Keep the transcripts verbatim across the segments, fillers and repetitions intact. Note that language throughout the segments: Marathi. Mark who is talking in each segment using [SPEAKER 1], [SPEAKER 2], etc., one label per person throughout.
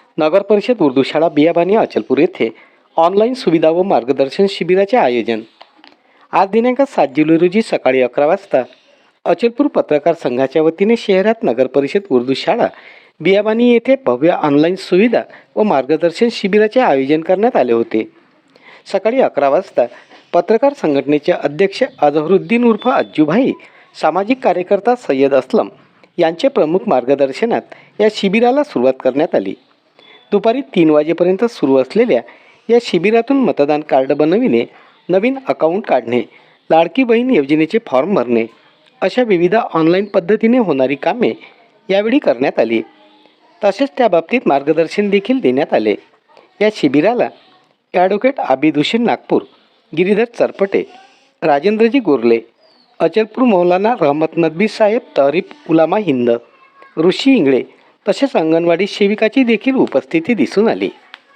[SPEAKER 1] नगरपरिषद उर्दू शाळा बियाबानी अचलपूर येथे ऑनलाईन सुविधा व मार्गदर्शन शिबिराचे आयोजन आज दिनांक सात जुलै रोजी सकाळी अकरा वाजता अचलपूर पत्रकार संघाच्या वतीने शहरात नगरपरिषद उर्दू शाळा बियाबानी येथे भव्य ऑनलाईन सुविधा व मार्गदर्शन शिबिराचे आयोजन करण्यात आले होते। सकाळी अकरा वाजता पत्रकार संघटनेचे अध्यक्ष अजहरुद्दीन उर्फ अज्जूभाई, सामाजिक कार्यकर्ता सय्यद असलम यांचे प्रमुख मार्गदर्शनात या शिबिराला सुरुवात करण्यात आली। दुपारी तीन वाजेपर्यंत सुरू असलेल्या या शिबिरातून मतदान कार्ड बनविणे, नवीन अकाउंट काढणे, लाडकी बहीण योजनेचे फॉर्म भरणे अशा विविध ऑनलाईन पद्धतीने होणारी कामे यावेळी करण्यात आली। तसेच त्याबाबतीत मार्गदर्शन देखील देण्यात आले। या शिबिराला ॲडव्होकेट आबिद हुसेन नागपूर, गिरीधर चरपटे, राजेंद्रजी गोरले, अचलपूर मौलाना रहमत नदवी साहेब तहरीफ उलामा हिंद, ऋषी इंगळे तसेच अंगणवाडी सेविकाची देखील उपस्थिती दिसून आली।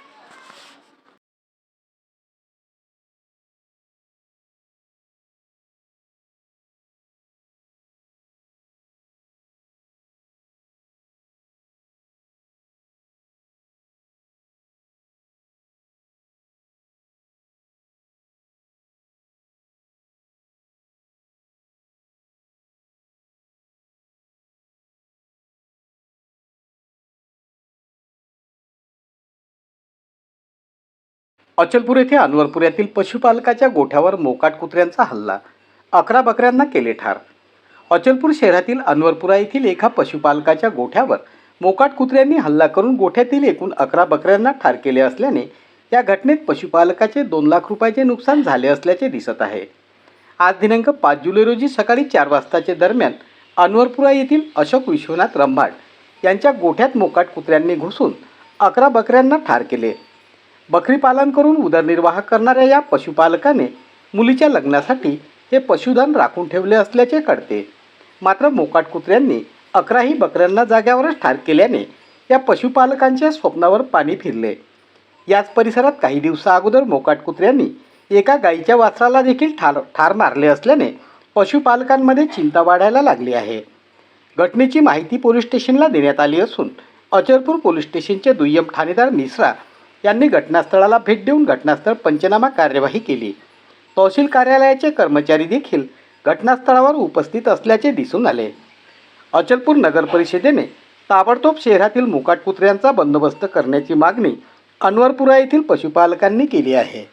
[SPEAKER 1] अचलपूर येथे अनवरपुऱ्यातील पशुपालकाच्या गोठ्यावर मोकाट कुत्र्यांचा हल्ला, अकरा बकऱ्यांना केले ठार। अचलपूर शहरातील अनवरपुरा येथील एका पशुपालकाच्या गोठ्यावर मोकाट कुत्र्यांनी हल्ला करून गोठ्यातील एकूण अकरा बकऱ्यांना ठार केले असल्याने या घटनेत पशुपालकाचे दोन लाख रुपयाचे नुकसान झाले असल्याचे दिसत आहे। आज दिनांक पाच जुलै रोजी सकाळी चार वाजताचे दरम्यान अनवरपुरा येथील अशोक विश्वनाथ रंभाड यांच्या गोठ्यात मोकाट कुत्र्यांनी घुसून अकरा बकऱ्यांना ठार केले। बकरी पालन करून उदरनिर्वाह करणाऱ्या या पशुपालकाने मुलीच्या लग्नासाठी हे पशुधन राखून ठेवले असल्याचे कळते। मात्र मोकाट कुत्र्यांनी अकराही बकऱ्यांना जाग्यावरच ठार केल्याने या पशुपालकांच्या स्वप्नावर पाणी फिरले। याच परिसरात काही दिवसा अगोदर मोकाट कुत्र्यांनी एका गायीच्या वासराला देखील ठार ठार मारले असल्याने पशुपालकांमध्ये चिंता वाढायला लागली आहे। घटनेची माहिती पोलीस स्टेशनला देण्यात आली असून अचलपूर पोलीस स्टेशनचे दुय्यम ठाणेदार मिश्रा यांनी घटनास्थळाला भेट देऊन घटनास्थळ पंचनामा कार्यवाही केली। तहसील कार्यालयाचे कर्मचारी देखील घटनास्थळावर उपस्थित असल्याचे दिसून आले। अचलपूर नगर परिषदेने ताबडतोब शहरातील मोकाट कुत्र्यांचा बंदोबस्त करण्याची मागणी अनवरपुरा येथील पशुपालकांनी केली आहे।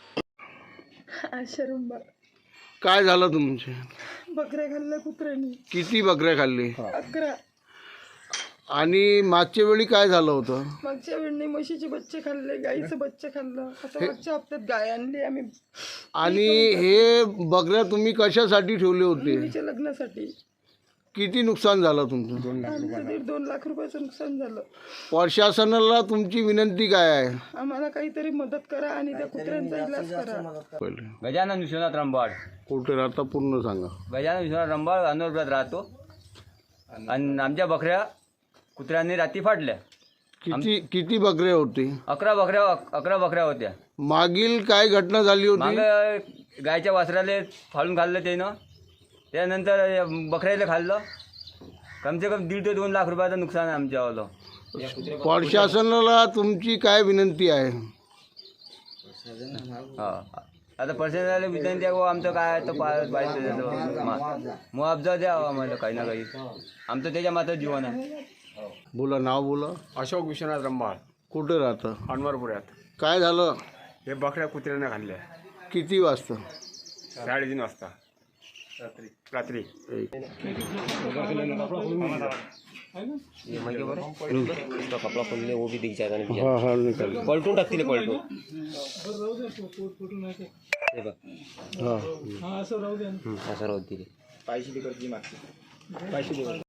[SPEAKER 2] काय झालं तुमचे?
[SPEAKER 3] बकऱ्या खाल्ल्या कुत्र्याने।
[SPEAKER 2] किती बकऱ्या खाल्ली?
[SPEAKER 3] अकरा।
[SPEAKER 2] आणि मागच्या वेळी काय झालं होतं?
[SPEAKER 3] मागच्या वेळी म्हशीचे बच्चे खाल्ले, गाईचं बच्चे खाल्लं। आता मागच्या हप्त्यात गाय आणली आम्ही।
[SPEAKER 2] आणि हे बकऱ्या तुम्ही कशासाठी ठेवले होते?
[SPEAKER 3] मुलीच्या लग्नासाठी।
[SPEAKER 2] किती नुकसान झालं तुमचं?
[SPEAKER 3] आमचं दीड दोन लाख रुपयाचं नुकसान झालं।
[SPEAKER 2] प्रशासनाला तुमची विनंती काय आहे?
[SPEAKER 3] आम्हाला काहीतरी मदत करा आणि त्या कुत्र्यांचा इलाज करा।
[SPEAKER 4] गजानन विश्वनाथ रंबाड।
[SPEAKER 2] कुठे राहता पूर्ण सांगा।
[SPEAKER 4] गजानन विश्वनाथ रंबाड अनवरपुरात राहतो आणि आमच्या बकऱ्या कुत्र्यांनी रात्री फाडल्या।
[SPEAKER 2] किती किती बकऱ्या होती?
[SPEAKER 4] अकरा बकऱ्या अकरा बकऱ्या होत्या।
[SPEAKER 2] मागील काय घटना झाली होती?
[SPEAKER 4] मागे गायच्या वासराले फाडून खाल्लं त्यानं, त्यानंतर बकऱ्याला खाल्लं। कमसे कम दीड ते दोन लाख रुपयाचं नुकसान आहे आमच्यावालं।
[SPEAKER 2] प्रशासनाला तुमची काय विनंती आहे?
[SPEAKER 4] हा, आता प्रशासनाला विनंती आहे, आमचं काय तर पाहिजे मुआवजा द्यावा आम्हाला काही ना काही। आमचं त्याच्या मात्र जीवन आहे।
[SPEAKER 2] बोला, नाव बोला।
[SPEAKER 5] अशोक विश्वनाथ रंबाळ,
[SPEAKER 2] कुठे राहतं?
[SPEAKER 5] अनवरपुऱ्यात।
[SPEAKER 2] काय झालं?
[SPEAKER 5] हे बकऱ्या कुत्र्याने खाल्ल्या।
[SPEAKER 2] किती वाजता?
[SPEAKER 5] साडेतीन वाजता रात्री रात्री
[SPEAKER 6] कपड़ा खोलने वो भी दिख जाएगा नहीं। हाँ हाँ निकल पलटून टाकतील पलटून हाँ हाँ असं राहू दे असं राहू दे पैसे